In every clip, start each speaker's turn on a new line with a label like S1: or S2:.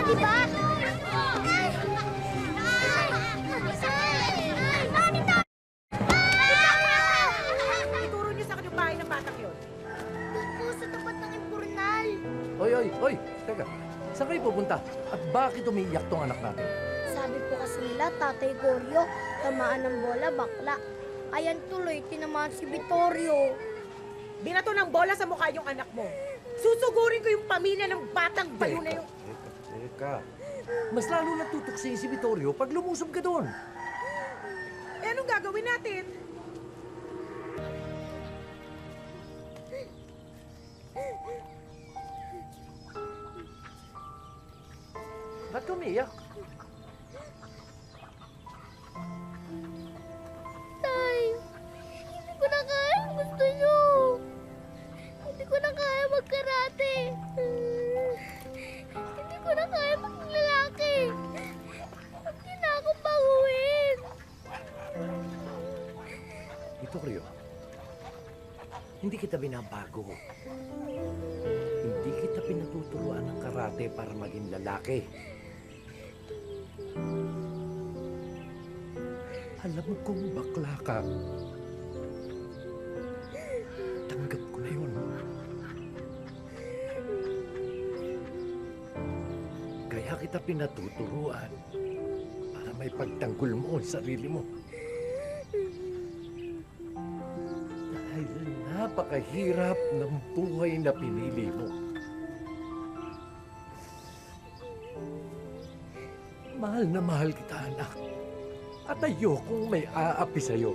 S1: di ba?
S2: Ituro niyo sa akin yung bahay ng batang yun.
S1: Doon po sa tapat ng impurnal.
S3: Oy! Teka, saan kayo pupunta? At bakit umiiyak tong anak natin?
S1: Sabi po kasi nila, Tatay Goryo, tamaan ng bola, bakla. Ayan tuloy, tinamaan si Vittorio.
S2: Binato ng bola sa mukha yung anak mo. Susugurin ko yung pamilya ng batang bayo na yung...
S3: Teka. Mas lalo natutuksin si Vittorio pag lumusob ka doon.
S2: Eh, anong gagawin natin?
S3: Ba't ka umiiyak?
S1: Tay, hindi ko na kaya ang gusto nyo. Hindi ko na kaya magkarate. Hindi ko na kaya maglalaki. Huwag niyo na akong baguhin.
S3: Vittorio, hindi kita binabago. Hindi kita pinatuturuan ng karate para maging lalaki. Alam mo kung bakla ka. Tanggap ko na yun. Kaya kita pinatuturuan para may pagtanggol mo ang sarili mo. Dahil napakahirap ng buhay na pinili mo. Mahal na mahal kita, anak. At ayokong may aapi sa'yo.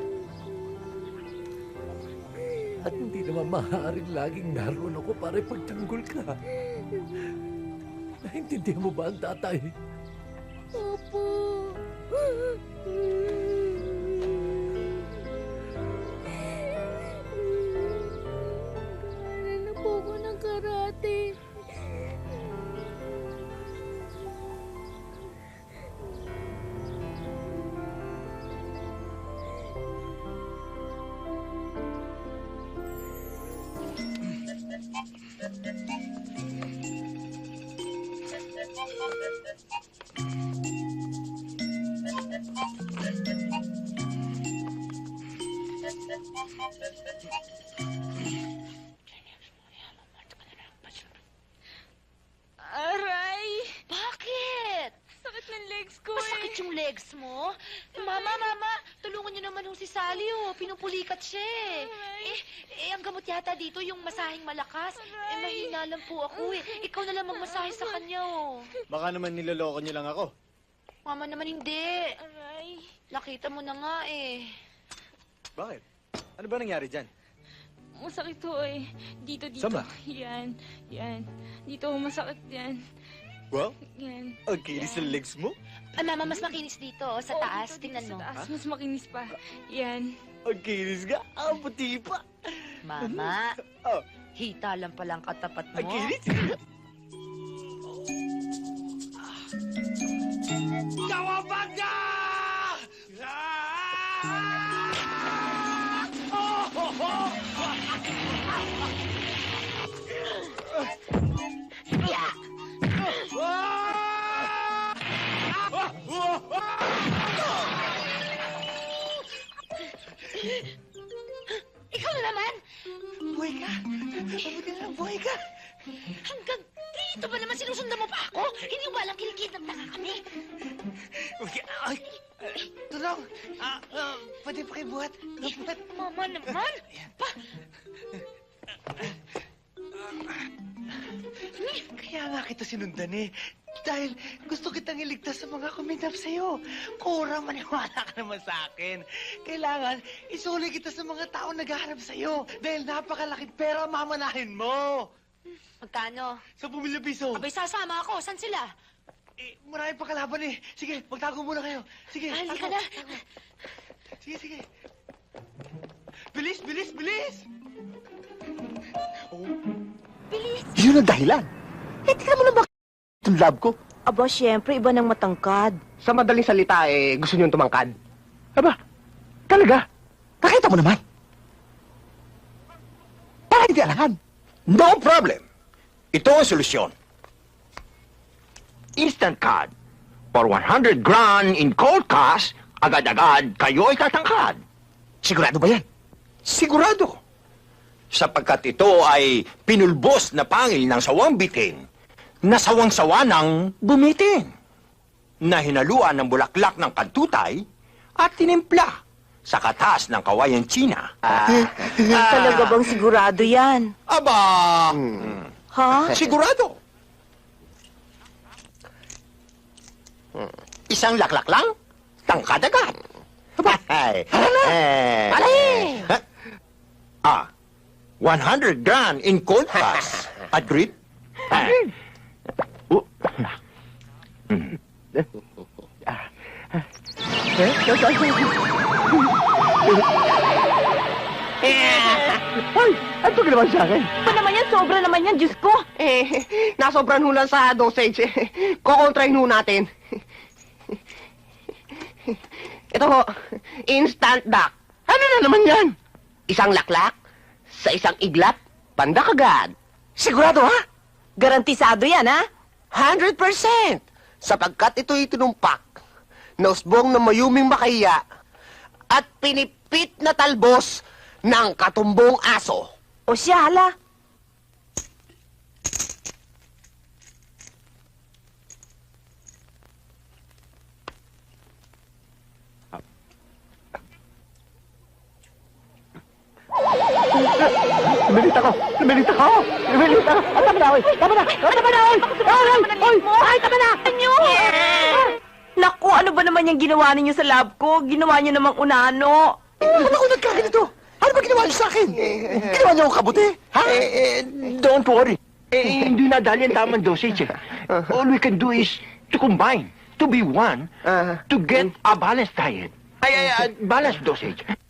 S3: At hindi naman maaaring laging naroon ako para ipagtanggol ka. Naintindihan mo ba ang tatay?
S1: Opo. Kaya na po ako ng karate.
S4: Aray!
S5: Bakit?
S4: Sakit ng legs ko
S5: Masakit yung legs mo? Mama, tulungan niyo naman yung si Sally, oh. Pinupulikat siya eh. Ang gamot yata dito, yung masahing malakas. Mahina lang po ako eh. Ikaw na lang magmasahe sa kanya, oh.
S6: Baka naman niloloko niyo lang ako.
S5: Mama naman hindi.
S4: Aray!
S5: Nakita mo na nga eh.
S6: Bakit? Ano ba nangyari dyan?
S4: Masakit to eh. Dito.
S6: Saan ba?
S4: Yan. Dito masakit yan.
S6: Wow,
S4: Yan.
S6: ang kinis ng legs mo.
S5: Ay, Mama, mas makinis dito, oh, sa
S4: Oo,
S5: taas.
S4: dito,
S5: Tingnan
S4: sa
S5: mo.
S4: taas. Mas makinis pa. Yan.
S6: Ang kinis ka. Ang puti pa.
S5: Mama,
S6: Oh,
S5: hita lang palang katapat mo.
S6: ang kinis. Kawabag ka!
S5: Ikaw na naman!
S6: Buhay ka! Mabuti na lang, buhay ka!
S5: Hanggang dito ba naman sinusundan mo pa ako? Hindi mo walang kilikid ng taka kami.
S6: Ay! Tulong! Pwede pa kayo buhat? Buhat!
S5: Mama naman! Pa!
S6: Kaya nga kita sinundan eh. Dahil gusto kitang iligtas sa mga kuminap sa'yo. Kurang maniwala ka naman sa akin. Kailangan isuli kita sa mga taong naghahanap sa'yo. Dahil napakalaking pera mamanahin mo.
S5: Magkano?
S6: Sa pumilya piso.
S5: Abay, sasama ako. Saan sila?
S6: Marami pa kalaban eh. Sige, magtago muna kayo. Sige,
S5: Halika
S6: tago,
S5: na.
S6: tago. Sige. Bilis! Oh.
S5: Bilis!
S7: Yun ang dahilan. Eh, tingnan mo na ba itong lab ko?
S8: Aba, siyempre, iba ng matangkad.
S7: Sa madaling salita, gusto niyong tumangkad. Aba, talaga? Nakita mo naman. Para hindi alahan.
S9: No problem. Ito ang solusyon. instant card. For 100 grand in cold cash, agad-agad kayo ay tatangkad.
S7: Sigurado ba yan?
S9: Sigurado. Sapagkat ito ay pinulbos na pangil ng sawang bitin, na sawang-sawa ng bumitin, na hinaluan ng bulaklak ng kantutay at tinimpla sa katas ng kawayang China.
S8: Talaga bang sigurado yan?
S9: Aba!
S8: Ha?
S9: Sigurado. Isang laklak lang, tangkad agad. Ay,
S7: Alay!
S9: 100 grand in cold cash. Agreed?
S7: Hoy, ano ginawa sa akin?
S8: Pa naman yan, sobra naman yan, Diyos ko.
S7: Nasobran ho lang sa dosage. Kukontrahin ho natin. Ito ho, instant duck. Ano na naman yan? Isang laklak, sa isang iglap, pandak agad. Sigurado ha?
S8: Garantisado yan, ha?
S7: 100%! Sapagkat ito'y tinumpak, nausbong na mayuming makahiya, at pinipit na talbos ng katumbong aso.
S8: O siya, hala.
S7: Lumilit ako! Ah, tama na, oy! Tama na, oy! Ay, tama na!
S8: Naku, ano ba naman yung ginawa ninyo sa lab ko? Ginawa niyo namang unano.
S7: Ba't ako nagkaganito? Ano ba ginawa niyo sa akin? Ginawa niyo akong kabuti? Ha?
S9: Don't worry. Hindi na dali ang tamang dosage. All we can do is to combine, to be one, to get a balanced diet. Balanced dosage.